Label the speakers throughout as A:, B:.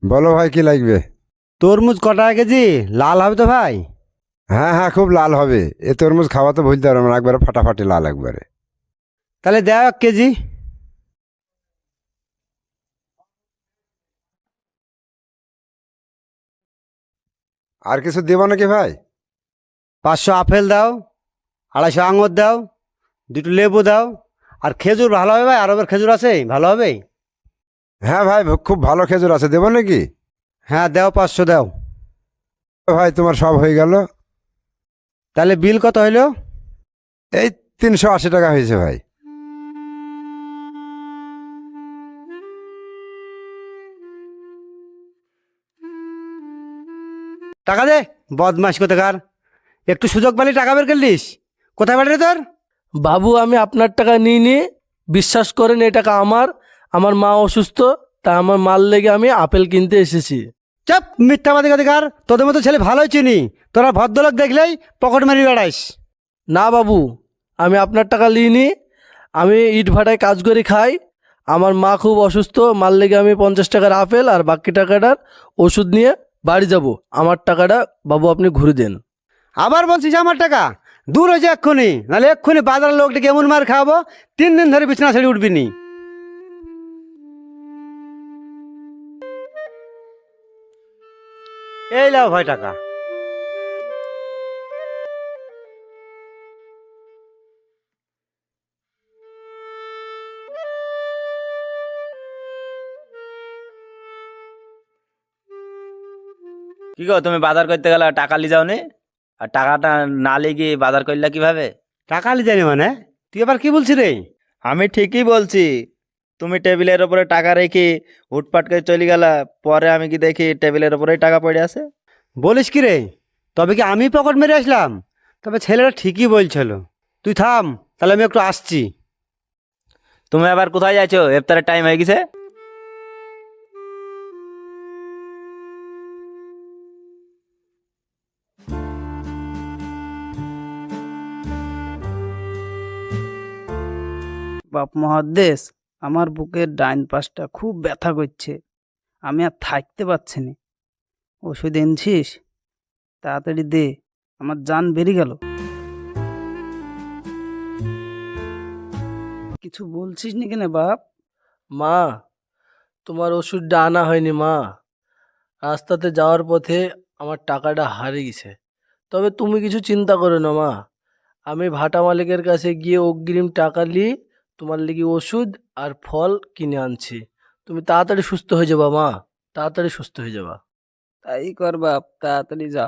A: বলো ভাই, কি লাগবে?
B: তরমুজ কটা কেজি? লাল হবে তো ভাই?
A: হ্যাঁ হ্যাঁ, খুব লাল হবে। এ তরমুজ খাওয়া তো ভুলতে পারবো না, একবারে ফাটাফাটি লাল একবারে।
B: তাহলে দেও 1 কেজি।
A: আর কিছু দেবো নাকি ভাই?
B: 500 আপেল দাও, 250 আঙুর দাও, 2টো লেবু দাও। আর খেজুর ভালো হবে ভাই? আরবের খেজুর আছে, ভালো হবে?
A: হ্যাঁ ভাই, খুব ভালো খেজুর আছে, দেবো নাকি?
B: হ্যাঁ দাও, 500 দাও।
A: ভাই তোমার সব হয়ে গেল।
B: তাহলে বিল কত হইলো?
A: এই 380 টাকা হয়েছে ভাই।
B: টাকা দে, বদমাস কোথাকার। একটু সুযোগ পেলে টাকা বের করলিস। কোথায় পাঠালি তোর?
C: বাবু, আমি আপনার টাকা নিইনি। বিশ্বাস করেন, এই টাকা আমার। আমার মা অসুস্থ, তাই আমার মাল লেগে আমি আপেল কিনতে এসেছি।
B: চাপ, মিথ্যাবাদী কোথাকার। তোদের মতো ছেলে ভালোই চিনি, তোরা ভদ্রলোক দেখলেই পকেট মারি বেড়াইস।
C: না বাবু, আমি আপনার টাকা নিইনি। আমি ইট ভাটায় কাজ করে খাই। আমার মা খুব অসুস্থ, মাল লেগে আমি 50 টাকার আপেল আর বাকি টাকাটার ওষুধ নিয়ে বাড়ি যাব। আমার টাকাটা বাবু আপনি ঘুরে দেন।
B: আবার বলছিস আমার টাকা? দূর হয়েছে এক্ষুনি, নাহলে এক্ষুনি বাজারের লোকটাকে এমন মার খাওয়াবো 3 দিন ধরে বিছানা ছেড়ে উঠবি নি। এই লাও ভাই টাকা।
D: কি গো, তুমি বাজার করতে গেলে টাকা লি যাও নি? আর টাকাটা না লিয়ে বাজার করলে কিভাবে?
B: টাকা লি জানি মানে? তুই এবার কি বলছিস রে?
D: আমি ঠিকই বলছি। তুমি টেবিলের উপরে টাকা রেখে হুটপাট করে চলে গেলা, পরে আমি কি দেখি টেবিলের উপরেই টাকা পড়ে আছে।
B: বলিস কি রে? তবে কি আমি পকেট মেরে আসলাম? তবে ছেলেটা ঠিকই বলছিল। তুই থাম, তাহলে আমি একটু আসছি।
D: তুমি আবার কোথায় যাচ্ছো? ইফতারের টাইম হয়ে গেছে।
E: বাপ মহাদ্দেশ, আমার বুকের ডাইন পাশটা খুব ব্যথা করছে। আমি আর থাকতে পারছি না। ওষুধ এনেছিস? তাড়াতাড়ি দে, আমার জান বেরিয়ে গেল। কিছু বলছিস নি কেন বাপ?
C: মা, তোমার ওষুধটা আনা হয়নি মা। রাস্তাতে যাওয়ার পথে আমার টাকাটা হারিয়ে গেছে। তবে তুমি কিছু চিন্তা করো না মা। আমি ভাটা মালিকের কাছে গিয়ে অগ্রিম টাকা নিয়ে তোমার লেগে ওষুধ আর ফল কিনে আনছি। তুমি তাড়াতাড়ি সুস্থ হয়ে যাবা মা, তাড়াতাড়ি সুস্থ হয়ে যাবা।
E: তাই কর বাপ, তাড়াতাড়ি যা।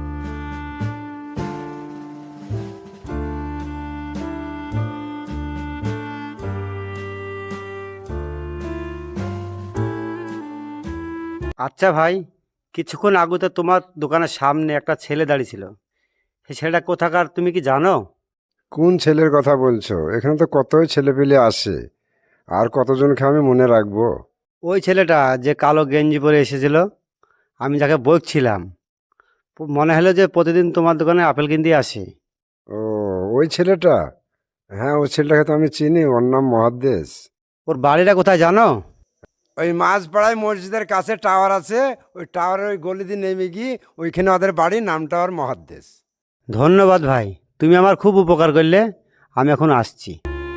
B: আচ্ছা ভাই, কিছুক্ষণ আগে তো তোমার দোকানের সামনে একটা ছেলে দাঁড়িয়ে ছিল। সেই ছেলেটা কোথাকার তুমি কি জানো?
A: কোন ছেলের কথা বলছো? এখানে তো কতই ছেলে পেলে আসে, আর কতজনকে আমি মনে রাখবো?
B: ওই ছেলেটা যে কালো গেঞ্জি পরে এসেছিল, আমি যাকে বকছিলাম। মনে হলো যে প্রতিদিন তোমার দোকানে আপেল কিনতে আসে।
A: ও, ওই ছেলেটা? হ্যাঁ, ওই ছেলেটাকে তো আমি চিনি, ওর নাম মহাদ্দেশ।
B: ওর বাড়িটা কোথায় জানো?
A: ওই মাঝপাড়ায় মসজিদের কাছে টাওয়ার আছে, ওই টাওয়ারের ওই গলি দিয়ে নেমে গিয়ে ওইখানে ওদের বাড়ি, নামটা ওর মহাদ্দেশ।
B: ধন্যবাদ ভাই, তুমি আমার খুব উপকার করলে। আমি এখন আসছি।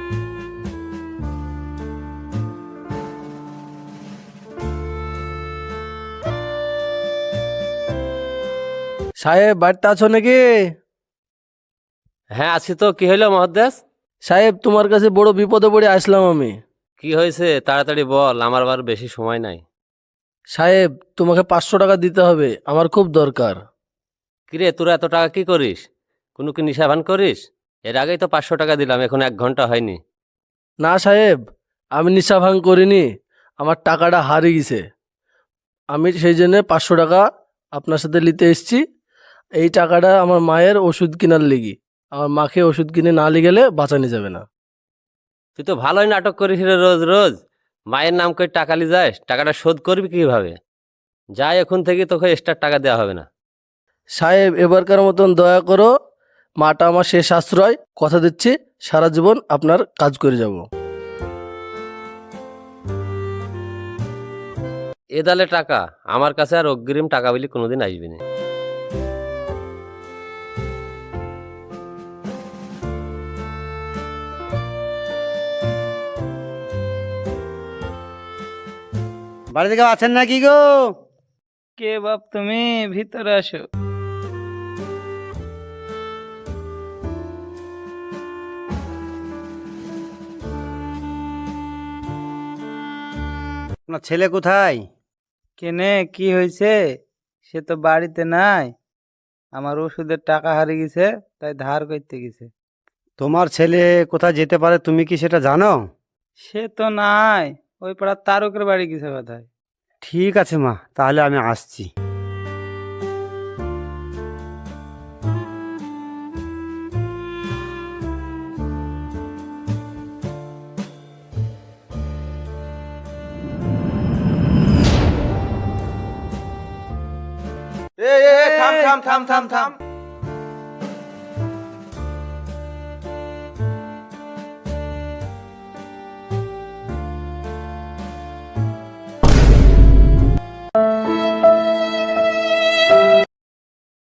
C: সাহেব, বাড়িতে আছো নাকি?
F: হ্যাঁ আছি তো। কি হইলো মহাদ্দেশ?
C: সাহেব, তোমার কাছে বড় বিপদে পড়ে আসলাম আমি।
F: কি হয়েছে তাড়াতাড়ি বল, আমার আবার বেশি সময় নাই।
C: সাহেব, তোমাকে 500 টাকা দিতে হবে, আমার খুব দরকার।
F: কিরে, তোরা এত টাকা কি করিস? কোনো কি নিশাভান করিস? এর আগেই তো 500 টাকা দিলাম, এখন 1 ঘন্টা হয়নি।
C: না সাহেব, আমি নিশা ভাঙ করিনি। আমার টাকাটা হারিয়ে গেছে। আমি সেই জন্য 500 টাকা আপনার সাথে নিতে এসেছি। এই টাকাটা আমার মায়ের ওষুধ কেনার লেগে। আমার মাকে ওষুধ কিনে না নিয়ে গেলে বাঁচানো যাবে না।
F: তুই তো ভালোই নাটক করিস রে রোজ রোজ। মায়ের নাম করে টাকা লি যাস, টাকাটা শোধ করবি কিভাবে? যাই, এখন থেকে তোকে এক্সট্রা টাকা দেওয়া হবে না।
C: সাহেব, এবারকার মতন দয়া করো। মাটা আমার শেষ আশ্রয়, কথা দিচ্ছি সারা জীবন আপনার কাজ করে যাব।
F: এ দালে টাকা আমার কাছে আর অগ্রিম টাকা বলি কোনোদিন আসবি না।
B: বাড়ি থেকে আছেন নাকি গো?
E: কে বাপ তুমি? ভিতরে আসো।
B: আপনার ছেলে কোথায়?
E: কেনে কি হয়েছে? সে তো বাড়িতে নাই, আমার ওষুধের টাকা হারিয়ে গেছে, তাই ধার করতে গেছে।
B: তোমার ছেলে কোথায় যেতে পারে তুমি কি সেটা জানো?
E: সে তো নাই, ওই পাড়ার তারকের বাড়ি গেছে বোধহয়।
B: ঠিক আছে মা, তাহলে আমি আসছি।
D: থাম থাম থাম থাম থাম